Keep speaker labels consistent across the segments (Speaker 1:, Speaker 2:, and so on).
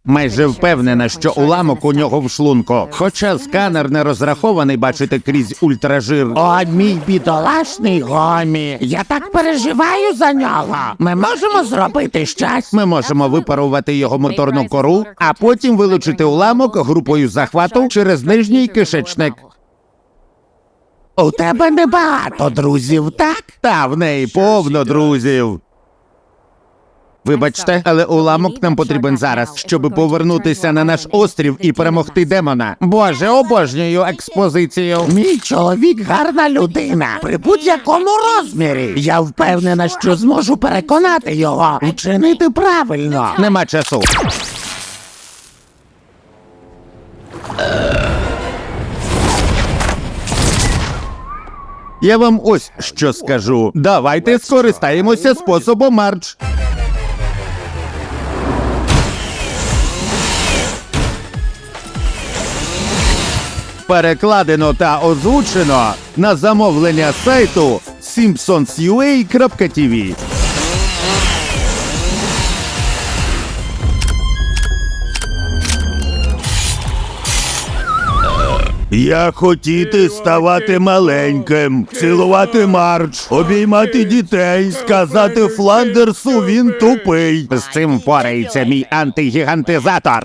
Speaker 1: Майже впевнена, що уламок у нього в шлунку. Хоча сканер не розрахований бачити крізь ультражир.
Speaker 2: О, мій бідолашний Гомі, я так переживаю за нього. Ми можемо зробити щось?
Speaker 1: Ми можемо випарувати його моторну кору, а потім вилучити уламок групою захвату через нижній кишечник.
Speaker 2: У тебе небагато друзів, так?
Speaker 1: Та в неї повно друзів. Вибачте, але уламок нам потрібен зараз, щоб повернутися на наш острів і перемогти демона. Боже, обожнюю експозицію.
Speaker 2: Мій чоловік гарна людина, при будь-якому розмірі. Я впевнена, що зможу переконати його вчинити правильно.
Speaker 1: Нема часу. Я вам ось що скажу. Давайте скористаємося способом Марч. Перекладено та озвучено на замовлення сайту simpsonsua.tv. Я хотіти ставати маленьким, цілувати Марч, обіймати дітей, сказати Фландерсу він тупий. З цим впорається мій антигігантизатор.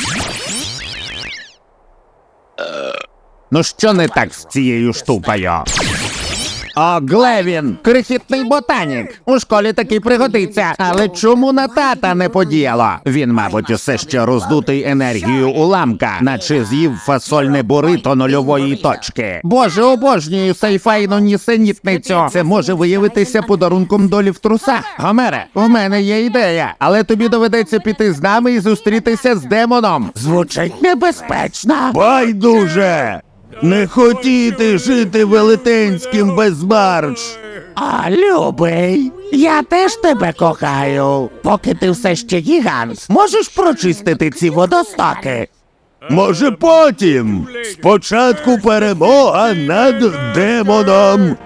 Speaker 1: Ну що не так з цією штукою? О, Глевін, крихітний ботанік. У школі такий пригодиться. Але чому на тата не подіяло? Він, мабуть, усе ще роздутий енергією уламка, наче з'їв фасольне бурито нульової точки. Боже, обожнюю сайфайну нісенітницю. Це може виявитися подарунком долі в трусах. Гомере, у мене є ідея, але тобі доведеться піти з нами і зустрітися з демоном.
Speaker 2: Звучить небезпечно.
Speaker 1: Байдуже! Не хотіти жити велетенським без Марч.
Speaker 2: А, любий, я теж тебе кохаю. Поки ти все ще гігант, можеш прочистити ці водостоки?
Speaker 1: Може потім. Спочатку перемога над демоном.